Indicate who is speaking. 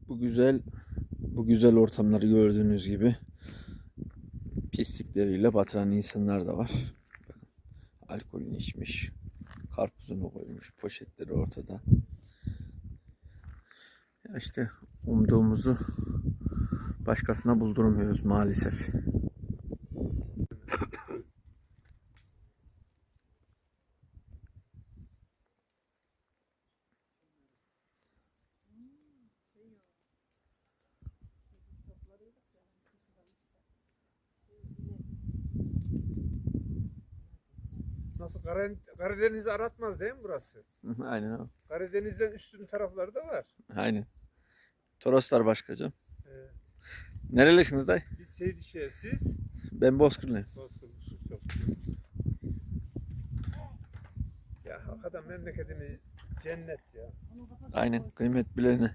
Speaker 1: Bu güzel ortamları gördüğünüz gibi pislikleriyle batıran insanlar da var. Bakın, alkolünü içmiş, karpuzunu koymuş, poşetleri ortada. Ya işte umduğumuzu başkasına buldurmuyoruz maalesef.
Speaker 2: Nasıl Karadeniz'i aratmaz değil mi burası?
Speaker 1: Aynen abi.
Speaker 2: Karadeniz'den üstün tarafları da var.
Speaker 1: Aynen. Toroslar başkacığım.
Speaker 2: Evet.
Speaker 1: Nerelisiniz dayı?
Speaker 2: Biz Seydişehir, siz?
Speaker 1: Ben Bozkırlıyım.
Speaker 2: Bozkırlısınız, çok. Ya hakikaten memleketimiz cennet ya.
Speaker 1: Aynen, kıymet bilene.